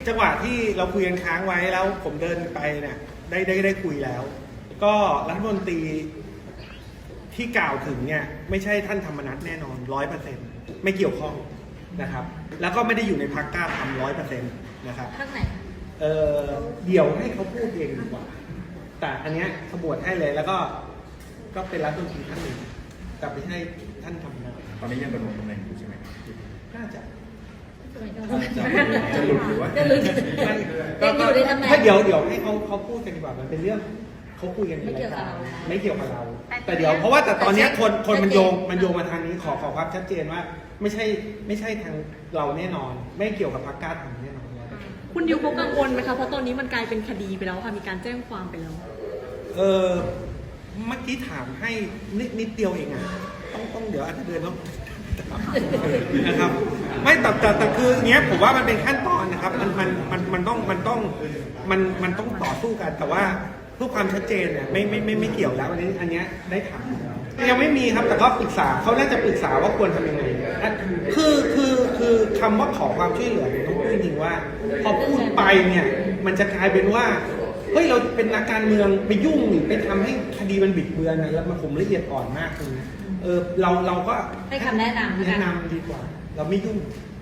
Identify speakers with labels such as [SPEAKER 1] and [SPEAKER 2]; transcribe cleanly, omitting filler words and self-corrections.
[SPEAKER 1] จังหวะที่เราคุยกันค้างไว้แล้วผมเดินไปเนี่ยได้คุยแล้ว ก็รัฐมนตรีที่กล่าวถึงเนี่ยไม่ใช่ท่านธรรมนัสแน่นอน 100%ไม่เกี่ยวข้องนะครับแล้วก็ไม่ได้อยู่ในพรรคกล้าทำ100%นะครับ
[SPEAKER 2] พรรคไหน
[SPEAKER 1] เดี๋ยวให้เขาพูดเองดีกว่าแต่อันเนี้ยขบวนให้เลยแล้วก็เป็นรัฐมนตรีท่านหนึ่งแต่ไม่ใช่ท่านธรรมนัส
[SPEAKER 3] ตอนนี้ยังดำรงตำแหน่งอยู่ใช่ไหม
[SPEAKER 1] น่าจะ
[SPEAKER 3] จะหลุดหรือว่า
[SPEAKER 2] จะหลุดยังอยู่ในตำแหน่ง
[SPEAKER 1] ถ้าเดี๋ยวให้เขาพูดกันดีกว่ามันเป็นเรื่องเขาคุยกันในรายการไม่เกี่ยวกับเราแต่เดี๋ยวเพราะว่าแต่ตอนเนี้ยคนมันโยงมาทางนี้ขอความชัดเจนว่าไม่ใช่ทางเราแน่นอน ไม่เกี่ยวกับพรรคกล้าทำแน่นอน
[SPEAKER 4] คุณดิวเขากังวลไหมคะเพราะตอนนี้มันกลายเป็นคดีไปแล้วค่ะมีการแจ้งความไปแล้ว
[SPEAKER 1] เมื่อกี้ถามให้นิดเดียวเองอ่ะต้องเดี๋ยวอาจจะเดินต้องนะครับไม่แต่คือเนี้ยผมว่ามันเป็นขั้นตอนนะครับมันต้องต่อสู้กันแต่ว่าเพื่อความชัดเจนเนี่ยไม่เกี่ยวแล้วอันนี้ได้ถามยังไม่มีครับแต่ก็ปรึกษาเขาน่าจะปรึกษาว่าควรทำยังไงคือคำว่าขอความช่วยเหลือต้องพูดจริงว่าพอพูดไปเนี่ยมันจะกลายเป็นว่าเฮ้ยเราเป็นนักการเมืองไปยุ่งหรือไปทำให้คดีมันบิดเบือนนะแล้วมันผมละเอียดอ่อนมากเลยเราก็
[SPEAKER 2] ให้คำแนะนำ
[SPEAKER 1] แนะนำดีกว่าเราไม่ยุ่ง